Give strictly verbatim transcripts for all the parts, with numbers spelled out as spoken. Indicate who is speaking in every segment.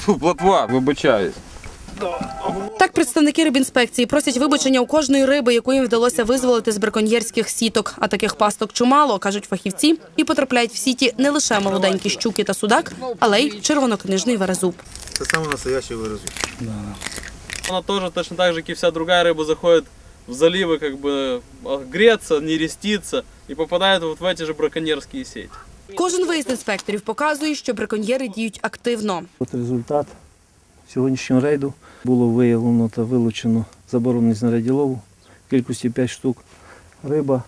Speaker 1: Фу, плотва, вибачаюсь.
Speaker 2: Так представники рибінспекції просять вибачення у кожної риби, яку їм вдалося визволити з браконьєрських сіток. А таких пасток чимало, кажуть фахівці, і потрапляють в сіті не лише молоденькі щуки та судак, але й червонокнижний верезуб.
Speaker 3: Це саме настоящий верезуб.
Speaker 4: Она тоже точно так же, как и вся другая рыба, заходит в заливы, как бы греться, нереститься и попадает вот в эти же браконьерские сети.
Speaker 2: Кожен виїзд інспекторів показує, що браконьєри діють активно.
Speaker 5: От результат сьогоднішнього рейду було виявлено та вилучено заборонені знаряддя лову в кількості п'ять штук. Риба.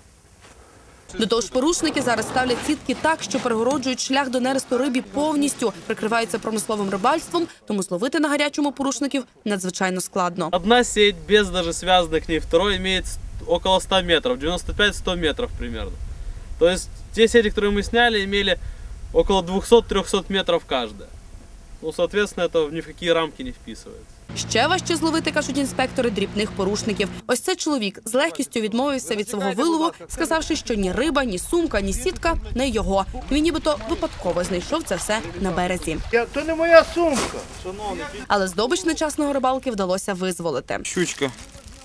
Speaker 2: До того ж, порушники зараз ставлять сітки так, що перегороджують шлях до нересту рибі повністю, прикриваються промисловим рибальством, тому зловити на гарячому порушників надзвичайно складно.
Speaker 4: Одна сеть без даже связанной к ней второй имеет около ста метров, девяносто пять - сто метров примерно. То есть те сети, которые мы сняли, имели около двухсот - трехсот метров каждая. Ну, соответственно, это ни в какие рамки не вписывается.
Speaker 2: Ще важче зловити, кажуть інспектори, дрібних порушників. Ось цей чоловік з легкістю відмовився від свого вилову, сказавши, що ні риба, ні сумка, ні сітка – не його. Він нібито випадково знайшов це все на березі.
Speaker 3: То не моя сумка.
Speaker 2: Але здобич нечасного рибалки вдалося визволити.
Speaker 1: Щучка.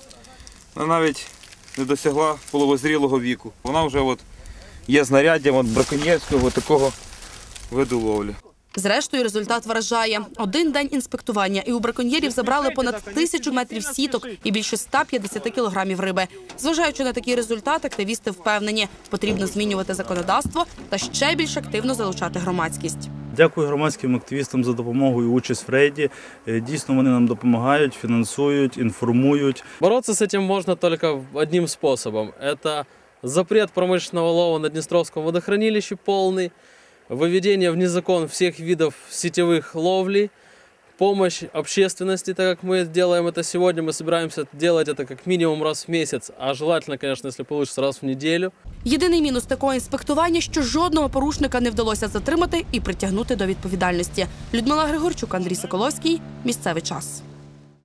Speaker 1: Вона навіть не досягла половозрілого віку. Вона вже от є знаряддям от браконьєрського такого виду ловлі.
Speaker 2: Зрештою, результат вражає. Один день інспектування, і у браконьєрів забрали понад тисячу метрів сіток і більше ста п'ятдесяти кілограмів риби. Зважаючи на такий результат, активісти впевнені, потрібно змінювати законодавство та ще більш активно залучати громадськість.
Speaker 6: Дякую громадським активістам за допомогу і участь в рейді. Дійсно, вони нам допомагають, фінансують, інформують.
Speaker 4: Бороться с этим можно только одним способом. Это запрет промышленного лова на Днестровском водохранилище полный, выведение вне закон всех видов сетевых ловлей, помощь общественности, так как мы делаем это сегодня, мы собираемся делать это как минимум раз в месяц, а желательно, конечно, если получится, раз в неделю.
Speaker 2: Єдиний мінус такого інспектування, що жодного порушника не вдалося затримати і притягнути до відповідальності. Людмила Григорчук, Андрій Соколовський. Місцевий час.